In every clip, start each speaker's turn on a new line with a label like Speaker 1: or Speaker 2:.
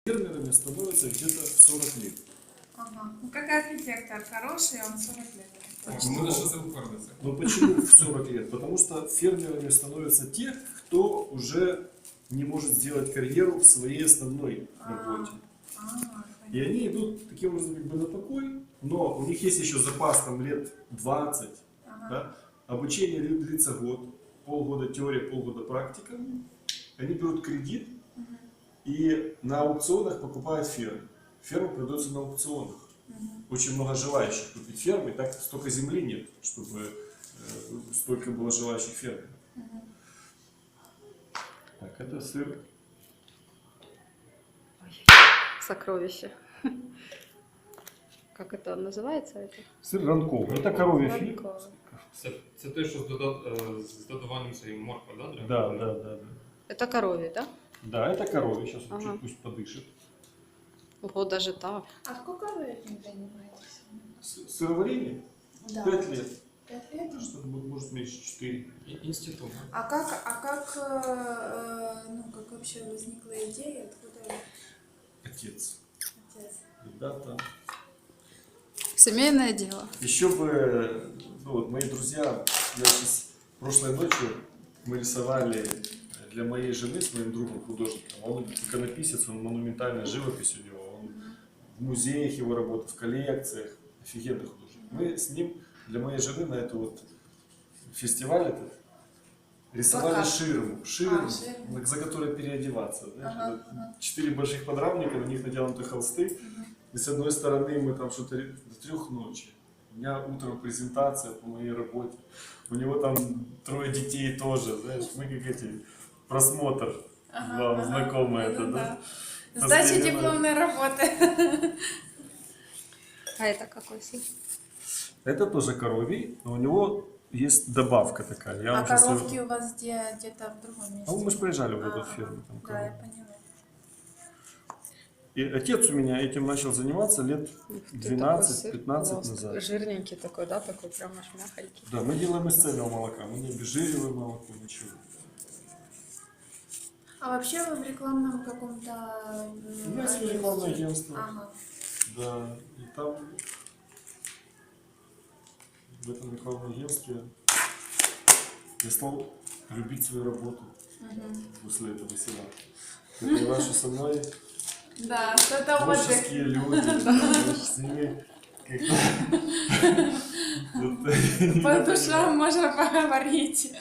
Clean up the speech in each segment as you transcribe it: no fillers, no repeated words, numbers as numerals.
Speaker 1: фермерами становятся где-то в 40 лет.
Speaker 2: Ага. Ну как архитектор хороший, он 40 лет.
Speaker 3: Ну, на что це упорниться?
Speaker 1: Но почему в 40 лет? Потому что фермерами становятся те, кто уже не может сделать карьеру в своей основной работе. И они идут таким образом как бы на покой, но у них есть еще запас там лет 20. Да? Обучение длится год, полгода теория, полгода практика. Они берут кредит и на аукционах покупают ферму. Ферма продается на аукционах. Очень много желающих купить фермы, и так столько земли нет, чтобы столько было желающих ферм. Так, это сыр.
Speaker 4: Сокровище. Как это называется?
Speaker 1: Сыр ранковый. Это коровья фи.
Speaker 3: Це те, що з додаванням цієї моркви, да?
Speaker 1: Да.
Speaker 4: Это коровье, да?
Speaker 1: Да, это коровья. Сейчас он
Speaker 4: Ага.
Speaker 1: чуть пусть подышит.
Speaker 4: Ого, даже так.
Speaker 2: А сколько вы этим занимаетесь?
Speaker 1: Сыроварение?
Speaker 2: Да.
Speaker 1: 5 лет.
Speaker 2: 5 лет?
Speaker 1: Что-то может меньше 4.
Speaker 3: Інститут.
Speaker 2: А как вообще возникла идея, откуда
Speaker 1: Отец.
Speaker 2: отец?
Speaker 1: Ребята.
Speaker 4: Семейное дело.
Speaker 1: Еще бы, ну вот мои друзья, я сейчас прошлой ночью мы рисовали для моей жены с моим другом художником. Он иконописец, он монументальная живопись у него, он в музеях его работает, в коллекциях, офигенный художник. Мы с ним для моей жены на эту вот фестиваль этот рисовали
Speaker 2: Плакат.
Speaker 1: ширму,
Speaker 2: ширму.
Speaker 1: за которой переодеваться. Знаешь,
Speaker 2: Ага,
Speaker 1: это 4 больших подрамника, на них натянуты холсты. И с одной стороны мы там что-то до 3 ночи. У меня утром презентация по моей работе. У него там 3 детей тоже, знаешь, мы как эти, просмотр, вам знакомо это, да?
Speaker 2: Сдача
Speaker 1: Последнее
Speaker 2: дипломной работы.
Speaker 4: А это какой сыр?
Speaker 1: Это тоже коровий, но у него есть добавка такая. Я
Speaker 2: А
Speaker 1: вам щас её-
Speaker 2: коровки у вас где-то в другом месте?
Speaker 1: А мы же приезжали в эту
Speaker 2: Ага,
Speaker 1: ферму. Там
Speaker 2: да, я
Speaker 1: коровы.
Speaker 2: поняла.
Speaker 1: И отец у меня этим начал заниматься лет 12-15 назад.
Speaker 4: Жирненький такой, да? Такой прям аж мягонький.
Speaker 1: Да, мы делаем из цельного молока, мы не обезжириваем молоко, ничего.
Speaker 2: А вообще вы в рекламном каком-то...
Speaker 1: У меня есть рекламное агентство.
Speaker 2: Ага.
Speaker 1: Да, и там в этом рекламном агентстве я стал любить свою работу после этого всего. Я понимаю, что со мной
Speaker 2: Да, что-то отдых.
Speaker 1: творческие люди, знаешь, с ними как-то...
Speaker 2: По душам можно поговорить.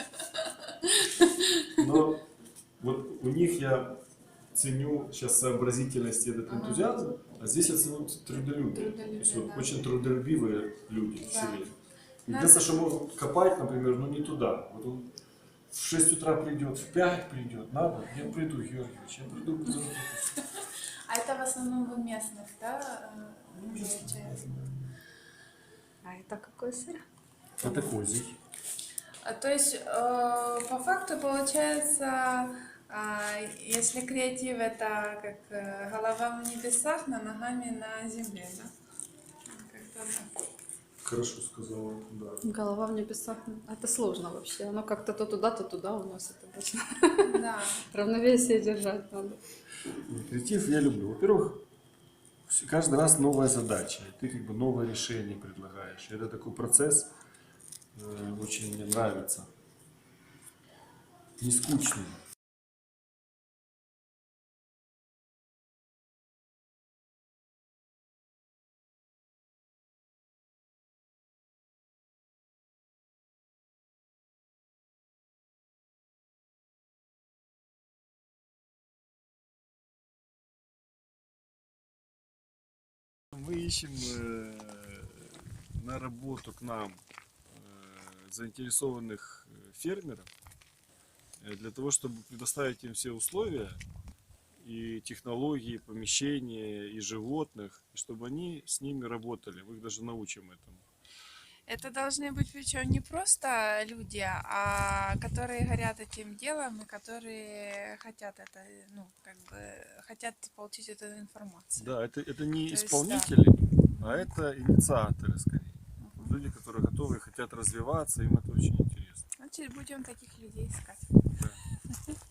Speaker 1: Но вот у них я ценю сейчас сообразительность и этот энтузиазм, а здесь я ценю трудолюбие. То есть вот
Speaker 2: да.
Speaker 1: очень трудолюбивые люди в
Speaker 2: Да.
Speaker 1: селе. Единственное, что могут копать, например, ну не туда. Вот он в 6 утра придет, в 5 придет, надо, я приду, Георгиевич, я приду, буду работать.
Speaker 2: А это в основном вы местных, да, получается?
Speaker 4: А это какой сыр?
Speaker 1: Это козий.
Speaker 2: То есть, по факту получается, если креатив это как голова в небесах, но ногами на земле, да? Как-то так.
Speaker 1: Хорошо сказала, да.
Speaker 4: Голова в небесах. Это сложно вообще. Оно как-то то туда уносит обычно.
Speaker 2: Да.
Speaker 4: Равновесие держать надо.
Speaker 1: Креатив я люблю. Во-первых, каждый раз новая задача, и ты как бы новое решение предлагаешь. Это такой процесс, очень мне нравится. Не скучный. Мы ищем на работу к нам заинтересованных фермеров для того, чтобы предоставить им все условия и технологии, помещения, и животных, и чтобы они с ними работали. Мы их даже научим этому.
Speaker 2: Это должны быть причем не просто люди, а которые горят этим делом и которые хотят это, ну, как бы хотят получить эту информацию.
Speaker 1: Да, это не
Speaker 2: То есть,
Speaker 1: исполнители, а это инициаторы скорее. Люди, которые готовы и хотят развиваться, им это очень интересно.
Speaker 2: Значит, будем таких людей искать.
Speaker 1: Да.